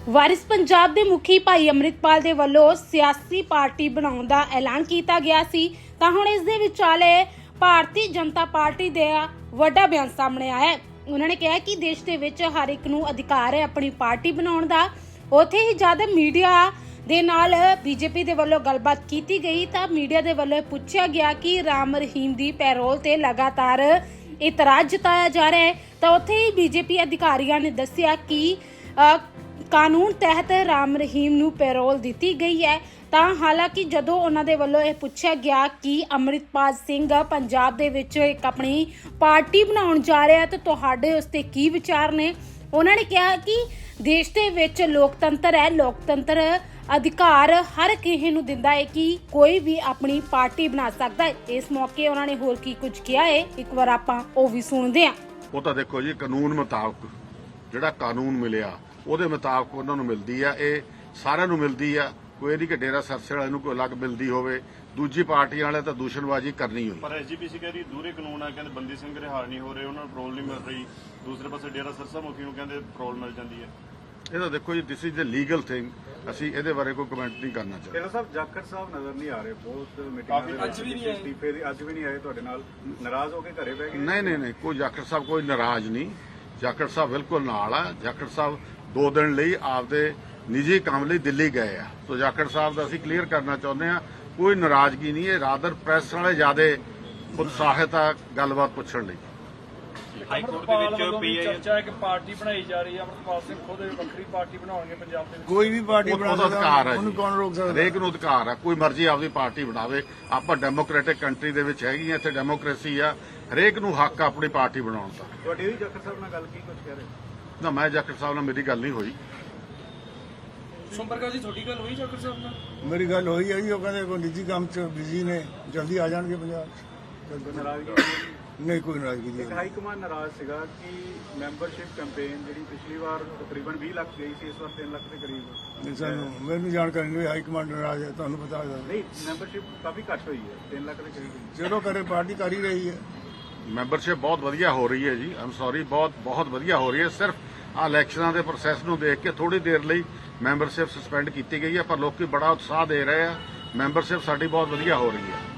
ਵਾਰਿਸ ਪੰਜਾਬ ਦੇ ਮੁਖੀ ਭਾਈ ਅੰਮ੍ਰਿਤਪਾਲ ਦੇ ਵੱਲੋਂ ਸਿਆਸੀ ਪਾਰਟੀ ਬਣਾਉਣ ਦਾ ਐਲਾਨ ਕੀਤਾ ਗਿਆ ਸੀ ਤਾਂ ਹੁਣ ਇਸ ਦੇ ਵਿਚਾਲੇ ਭਾਰਤੀ ਜਨਤਾ ਪਾਰਟੀ ਦਾ ਵੱਡਾ ਬਿਆਨ ਸਾਹਮਣੇ ਆਇਆ ਹੈ। ਉਹਨਾਂ ਨੇ ਕਿਹਾ ਕਿ ਦੇਸ਼ ਦੇ ਵਿੱਚ ਹਰ ਇੱਕ ਨੂੰ ਅਧਿਕਾਰ ਹੈ ਆਪਣੀ ਪਾਰਟੀ ਬਣਾਉਣ ਦਾ। ਉੱਥੇ ਹੀ ਜਦ ਮੀਡੀਆ ਦੇ ਨਾਲ ਬੀਜੇਪੀ ਦੇ ਵੱਲੋਂ ਗੱਲਬਾਤ ਕੀਤੀ ਗਈ ਤਾਂ ਮੀਡੀਆ ਦੇ ਵੱਲੋਂ ਪੁੱਛਿਆ ਗਿਆ ਕਿ ਰਾਮ ਰਹੀਮ ਦੀ ਪੈਰੋਲ ਤੇ ਲਗਾਤਾਰ ਇਤਰਾਜ਼ ਜਤਾਇਆ ਜਾ ਰਿਹਾ ਹੈ ਤਾਂ ਉੱਥੇ ਹੀ ਬੀਜੇਪੀ ਅਧਿਕਾਰੀਆਂ ਨੇ ਦੱਸਿਆ ਕਿ ਕਾਨੂੰਨ ਤਹਿਤ ਰਾਮ ਰਹੀਮ ਨੂੰ ਪੈਰੋਲ ਦਿੱਤੀ ਗਈ ਹੈ। ਤਾਂ ਹਾਲਾਂਕਿ ਜਦੋਂ ਉਹਨਾਂ ਦੇ ਵੱਲੋਂ ਇਹ ਪੁੱਛਿਆ ਗਿਆ ਕਿ ਅੰਮ੍ਰਿਤਪਾਲ ਸਿੰਘ ਪੰਜਾਬ ਦੇ ਵਿੱਚ ਇੱਕ ਆਪਣੀ ਪਾਰਟੀ ਬਣਾਉਣ ਜਾ ਰਿਹਾ ਤਾਂ ਤੁਹਾਡੇ ਉਸ ਤੇ ਕੀ ਵਿਚਾਰ ਨੇ। ਉਹਨਾਂ ਨੇ ਕਿਹਾ ਕਿ ਦੇਸ਼ ਦੇ ਵਿੱਚ ਲੋਕਤੰਤਰ ਹੈ, ਲੋਕਤੰਤਰ ਅਧਿਕਾਰ ਹਰ ਕਿਸੇ ਨੂੰ ਦਿੰਦਾ ਹੈ ਕਿ ਕੋਈ ਵੀ ਆਪਣੀ ਪਾਰਟੀ ਬਣਾ ਸਕਦਾ ਹੈ। ਇਸ ਮੌਕੇ ਉਹਨਾਂ ਨੇ ਹੋਰ ਕੀ ਕੁਝ ਕਿਹਾ ਹੈ, ਇੱਕ ਵਾਰ ਆਪਾਂ ਉਹ ਵੀ ਸੁਣਦੇ ਹਾਂ। ਉਹ ਤਾਂ ਦੇਖੋ ਜੀ, ਕਾਨੂੰਨ ਮੁਤਾਬਕ ਜਿਹੜਾ ਕਾਨੂੰਨ ਮਿਲਿਆ ਉਹਦੇ ਮੁਤਾਬਕ ਉਹਨਾਂ ਨੂੰ ਮਿਲਦੀ ਆ, ਇਹ ਸਾਰਿਆਂ ਨੂੰ ਮਿਲਦੀ ਆ। ਕੋਈ ਨਹੀਂ ਕਿ ਡੇਰਾ ਸਰਸੇ ਵਾਲੇ ਨੂੰ ਕੋਈ ਅਲੱਗ ਮਿਲਦੀ ਹੋਵੇ, ਦੂਜੀ ਪਾਰਟੀ ਵਾਲੇ ਤਾਂ ਦੂਸ਼ਣਬਾਜ਼ੀ ਕਰਨੀ ਹੋਈ। ਪਰ ਐਸਜੀਪੀਸੀ ਕਹਿ ਰਹੀ ਦੂਰੇ ਕਾਨੂੰਨ ਆ, ਕਹਿੰਦੇ ਬੰਦੀ ਸਿੰਘ ਰਿਹਾ ਨਹੀਂ ਹੋ ਰਹੇ, ਉਹਨਾਂ ਨੂੰ ਪੈਰੋਲ ਨਹੀਂ ਮਿਲ ਰਹੀ। ਦੂਸਰੇ ਪਾਸੇ ਡੇਰਾ ਸਰਸਾ ਮੁਖੀ ਨੂੰ ਕਹਿੰਦੇ ਪੈਰੋਲ ਮਿਲ ਜਾਂਦੀ ਹੈ। ਇਹ ਤਾਂ ਦੇਖੋ ਜੀ, this is the legal thing, ਅਸੀਂ ਇਹਦੇ ਬਾਰੇ ਕੋਈ ਕਮੈਂਟ ਨਹੀਂ ਕਰਨਾ ਚਾਹੁੰਦੇ। ਡੇਰਾ ਸਾਹਿਬ ਜਾਖੜ ਸਾਹਿਬ ਨਜ਼ਰ ਨਹੀਂ ਆ ਰਹੇ, ਬਹੁਤ ਮੀਟਿੰਗਾਂ ਦੇ ਵਿੱਚ ਅਸਤੀਫੇ ਦੀ ਅੱਜ ਵੀ ਨਹੀਂ ਆਏ ਤੁਹਾਡੇ ਨਾਲ, ਨਾਰਾਜ਼ ਹੋ ਕੇ ਘਰੇ ਬਹਿ ਗਏ। ਨਹੀਂ, ਕੋਈ ਜਾਖੜ ਸਾਹਿਬ ਕੋਈ ਨਾਰਾਜ਼ ਨਹੀਂ। ਜਾਖੜ ਸਾਹਿਬ ਬਿਲਕੁਲ ਨਾਲ ਆ। ਜਾਖੜ ਸਾਹਿਬ 2 ਦਿਨ ਲਈ ਆਪਦੇ ਨਿੱਜੀ ਕੰਮ ਲਈ ਦਿੱਲੀ ਗਏ ਆ। ਸੋ ਜਾਖੜ ਸਾਹਿਬ ਦਾ ਅਸੀਂ ਕਲੀਅਰ ਕਰਨਾ ਚਾਹੁੰਦੇ ਆ, ਕੋਈ ਨਾਰਾਜ਼ਗੀ ਨਹੀਂ ਹੈ। ਰਾਦਰ ਪ੍ਰੈਸ ਵਾਲੇ ਜ਼ਿਆਦਾ ਉਤਸ਼ਾਹਿਤ ਆ ਗੱਲਬਾਤ ਪੁੱਛਣ ਲਈ। ਹਾਈ ਕੋਰਟ ਦੇ ਵਿੱਚ ਪੀਏ ਚਰਚਾ ਹੈ ਕਿ ਪਾਰਟੀ ਬਣਾਈ ਜਾ ਰਹੀ ਹੈ। ਅੰਮ੍ਰਿਤਪਾਲ ਸਿੰਘ ਖੁਦ ਵੱਖਰੀ ਪਾਰਟੀ ਬਣਾਉਣਗੇ ਪੰਜਾਬ ਦੇ ਵਿੱਚ। ਕੋਈ ਵੀ ਪਾਰਟੀ ਬਣਾ ਉਹਦਾ ਅਧਿਕਾਰ ਹੈ ਜੀ, ਉਹਨੂੰ ਕੌਣ ਰੋਕ ਸਕਦਾ? ਹਰੇਕ ਨੂੰ ਅਧਿਕਾਰ ਆ, ਕੋਈ ਮਰਜ਼ੀ ਆਪਦੀ ਪਾਰਟੀ ਬਣਾਵੇ। ਆਪਾਂ ਡੈਮੋਕ੍ਰੈਟਿਕ ਕੰਟਰੀ ਦੇ ਵਿੱਚ ਹੈਗੀ ਆ, ਇੱਥੇ ਡੈਮੋਕ੍ਰੇਸੀ ਆ, ਹਰੇਕ ਨੂੰ ਹੱਕ ਆ ਆਪਣੀ ਪਾਰਟੀ ਬਣਾਉਣ ਦਾ। ਤੁਹਾਡੀ ਵੀ ਜਾਖੜ ਸਾਹਿਬ ਨਾਲ ਗੱਲ ਕੀ ਕੁਝ ਕਹਿ ਰਹੇ? ਨਾ, ਮੈਂ ਜਾਖੜ ਸਾਹਿਬ ਨਾਲ ਮੇਰੀ ਗੱਲ ਨਹੀਂ ਹੋਈ। ਸੰਪਰਕਾ ਜੀ ਤੁਹਾਡੀ ਗੱਲ ਹੋਈ ਜਾਖੜ ਸਾਹਿਬ ਨਾਲ? ਮੇਰੀ ਗੱਲ ਹੋਈ ਹੈ ਜੀ, ਉਹ ਕਹਿੰਦੇ ਕੋਈ ਨਿੱਜੀ ਕੰਮ 'ਚ ਬਿਜ਼ੀ ਨੇ, ਜਲਦੀ ਆ ਜਾਣਗੇ ਪੰਜਾਬ 'ਚ। ਨਾਰਾਜ਼ਗੀ ਨਹੀਂ, ਕੋਈ ਨਾਰਾਜ਼ਗੀ ਇੱਕ ਨਹੀਂ। ਹਾਈ ਕਮਾਂਡ ਨਾਰਾਜ਼ ਸੀਗਾ ਕਿ ਮੈਂਬਰਸ਼ਿਪ ਕੈਂਪੇਨ ਜਿਹੜੀ ਪਿਛਲੀ ਵਾਰ ਤਕਰੀਬਨ 20 ਲੱਖ ਗਈ ਸੀ, ਇਸ ਵਾਰ 3 ਲੱਖ ਦੇ ਕਰੀਬ। ਨਹੀਂ, ਸਾਨੂੰ ਮੈਨੂੰ ਜਾਣਕਾਰੀ ਨਹੀਂ, ਹਾਈ ਕਮਾਂਡ ਨਾਰਾਜ਼ ਹੈ, ਤੁਹਾਨੂੰ ਪਤਾ ਹੈ। ਨਹੀਂ, ਮੈਂਬਰਸ਼ਿਪ ਕਾਫੀ ਘੱਟ ਹੋਈ ਹੈ, 3 ਲੱਖ ਦੇ ਕਰੀਬ। ਚਲੋ ਕਰੇ, ਪਾਰਟੀ ਕਰ ਹੀ ਰਹੀ ਹੈ। ਮੈਂਬਰਸ਼ਿਪ ਬਹੁਤ ਵਧੀਆ ਹੋ ਰਹੀ ਹੈ ਜੀ, ਆਮ ਸੌਰੀ, ਬਹੁਤ ਵਧੀਆ ਹੋ ਰਹੀ ਹੈ। ਸਿਰਫ ਆ ਇਲੈਕਸ਼ਨਾਂ ਦੇ ਪ੍ਰੋਸੈਸ ਨੂੰ ਦੇਖ ਕੇ ਥੋੜੀ ਦੇਰ ਲਈ ਮੈਂਬਰਸ਼ਿਪ ਸਸਪੈਂਡ ਕੀਤੀ ਗਈ ਹੈ, ਪਰ ਲੋਕੀ ਬੜਾ ਉਤਸ਼ਾਹ ਦੇ ਰਹੇ ਆ। ਮੈਂਬਰਸ਼ਿਪ ਸਾਡੀ ਬਹੁਤ ਵਧੀਆ ਹੋ ਰਹੀ ਹੈ।